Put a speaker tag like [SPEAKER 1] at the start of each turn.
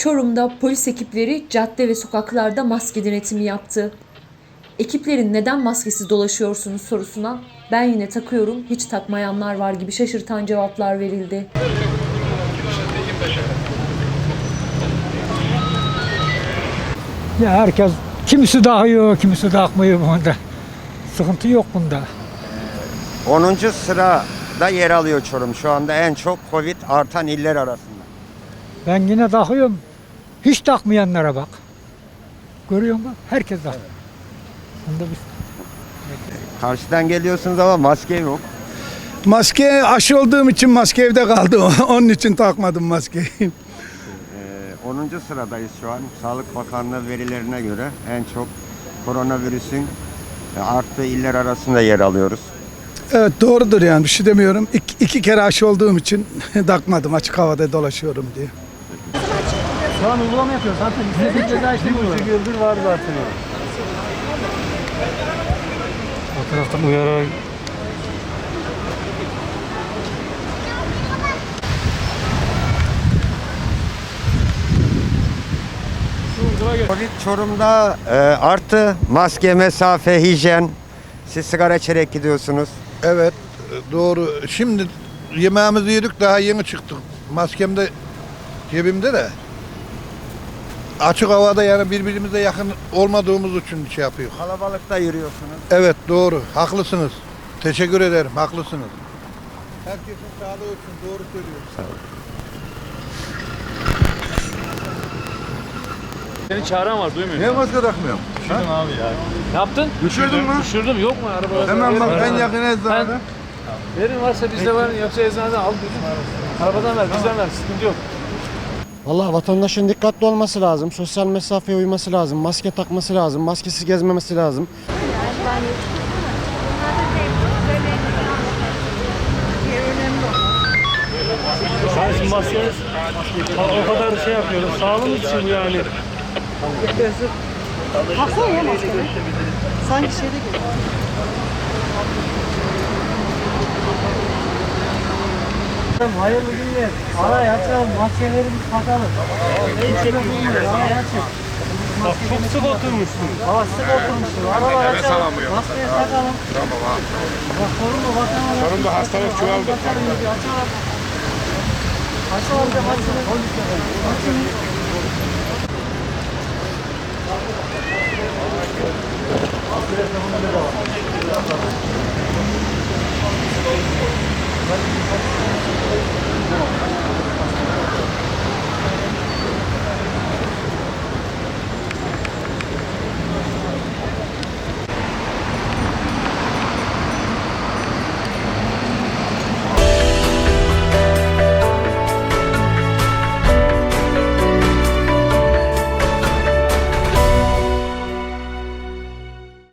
[SPEAKER 1] Çorum'da polis ekipleri cadde ve sokaklarda maske denetimi yaptı. Ekiplerin neden maskesiz dolaşıyorsunuz sorusuna ben yine takıyorum, hiç takmayanlar var gibi şaşırtan cevaplar verildi.
[SPEAKER 2] Ya herkes kimisi takıyor, kimisi takmıyor bunda. Sıkıntı yok bunda.
[SPEAKER 3] 10. sırada yer alıyor Çorum. Şu anda en çok Covid artan iller arasında.
[SPEAKER 2] Ben yine takıyorum. Hiç takmayanlara bak. Görüyor musun? Herkes takıyor. Bunda bir...
[SPEAKER 3] Karşıdan geliyorsunuz ama maske yok.
[SPEAKER 4] Maske aşı olduğum için maske evde kaldı. Onun için takmadım maskeyi.
[SPEAKER 3] 10. sıradayız şu an. Sağlık Bakanlığı verilerine göre en çok koronavirüsün arttığı iller arasında yer alıyoruz.
[SPEAKER 4] Evet doğrudur yani bir şey demiyorum. İki kere aşı olduğum için takmadım, açık havada dolaşıyorum diye.
[SPEAKER 5] Şu an uygulama yapıyor zaten. İstediğin ceza işte bu. 2 yıldır var zaten o. O taraftan uyararak
[SPEAKER 3] Covid Çorum'da arttı. Maske, mesafe, hijyen. Siz sigara içerek gidiyorsunuz.
[SPEAKER 6] Evet doğru. Şimdi yemeğimizi yedik daha yeni çıktık. Maskem de cebimde de. Açık havada yani birbirimize yakın olmadığımız için şey yapıyor.
[SPEAKER 3] Kalabalıkta yürüyorsunuz.
[SPEAKER 6] Evet doğru. Haklısınız. Teşekkür ederim. Haklısınız. Herkesin sağlığı için doğru söylüyorsun.
[SPEAKER 5] seni çağıran var duymuyor.
[SPEAKER 6] Niye maske takmıyorum?
[SPEAKER 5] Düşürdüm abi ya. Ne yaptın?
[SPEAKER 6] Düşürdün mü?
[SPEAKER 5] Düşürdüm. Yok mu arabada?
[SPEAKER 6] Hemen bak en yakın eczanede.
[SPEAKER 5] Verin varsa bizde var. Yoksa eczaneden al bizim. Arabadan ver, bizden ver. Sıkıntı yok.
[SPEAKER 7] Vallahi vatandaşın dikkatli olması lazım, sosyal mesafeye uyması lazım, maske takması lazım, maskesiz gezmemesi lazım.
[SPEAKER 5] Şimdi maskeniz o kadar şey yapıyoruz. Sağlığımız için yani.
[SPEAKER 8] Baksana ya maskene. Sanki şeyde gibi.
[SPEAKER 5] Hayırlı günler. Araya açalım, maskelerimizi takalım. İçine bulmuyor, araya açın. Bak çok sık oturmuşsunuz. Hava sık oturmuşsunuz. Arabayı açalım, maskeyi takalım. Tamam abi. Bak sorun mu vatandaş? Sorun da hastalık çoğaldı. Açalım. Açalım, açalım.